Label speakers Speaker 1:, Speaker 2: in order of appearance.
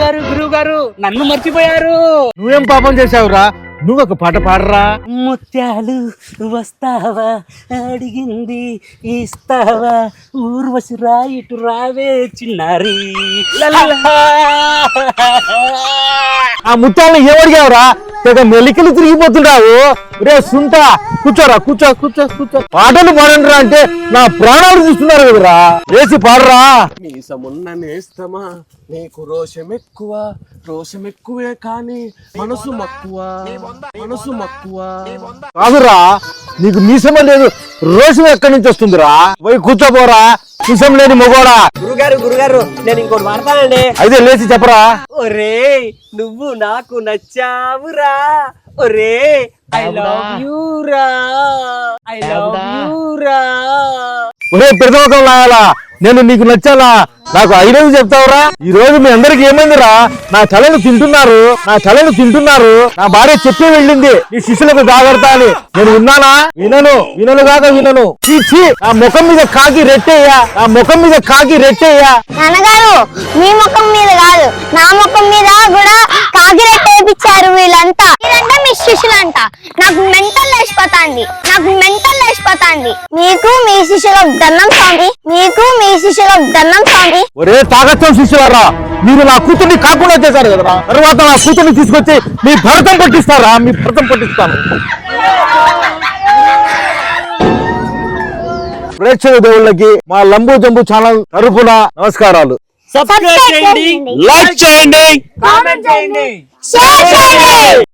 Speaker 1: గురువు గారు నన్ను మర్చిపోయారు.
Speaker 2: నువ్వేం పాపం చేసావురా? నువ్వు ఒక పాట పాడరా.
Speaker 1: ముత్యాలు వస్తావా అడిగింది ఇస్తావా ఊర్వశి రాయిటు రావే చిన్నారి.
Speaker 2: ఆ ముత్యాలను ఏమడిగావురా? తెగ మెలికలు తిరిగిపోతున్నావు. రే సుంట కూర్చోరా, కూర్చో కూర్చో కూర్చో. పాటలు పాడండిరా అంటే నా ప్రాణాలు చూస్తున్నారు కదరా. వేసి పాడరా.
Speaker 3: మీసమున్న నేస్తమా నీకు రోషం ఎక్కువే కానీ మనసు మక్కువ.
Speaker 2: కాదురా, నీకు మీసమే లేదు, రోషం ఎక్కడి నుంచి వస్తుందిరా? పోయి కూర్చోపోరా మీసం లేని మొగోడా.
Speaker 1: గురుగారు నేను ఇంకోటి వాడతానండి.
Speaker 2: అయితే లేచి చెప్పరా.
Speaker 1: ఒరే నువ్వు నాకు నచ్చావురా, ఒరే ఐ లవ్ యూ రా, ఐ లవ్ యూ రా.
Speaker 2: ఒరే పెద్దమొఖం లాగాలా, నేను నీకు నచ్చాలా? నాకు ఐదవి చెప్తావురా? ఈ రోజు మీ అందరికి ఏమైందిరా? నా తలను తింటున్నారు, నా భార్య చెప్పి వెళ్ళింది నీ శిష్యులకు జాగ్రత్త అని. నేను విన్నానా? వినను. చీ, నా ముఖం మీద కాకి రెట్టేయ్యా.
Speaker 4: నాన్నగారు మీ ముఖం మీద కాదు, నా ముఖం మీద కూడా కాకి రెట్ట వేయించారు వీళ్ళంతా మీ శిష్యులంట. నాకు మెంటల్ లేచిపోతాంది. మీకు మీ శిష్యులకు దండం స్వామి.
Speaker 2: ఒరే తాగత్వం శిష్యులారా, మీరు నా కూతుర్ని కాకుండా చేశారు కదరా. తర్వాత నా కూతుర్ని తీసుకొచ్చి మీ భరతం పట్టిస్తాను. ప్రేక్షక దేవుళ్ళకి మా లంబూ జంబు ఛానల్ తరపున నమస్కారాలు.
Speaker 1: సబ్స్క్రైబ్ చేయండి,
Speaker 2: లైక్ చేయండి,
Speaker 1: కామెంట్ చేయండి.
Speaker 4: షేర్ చేయండి.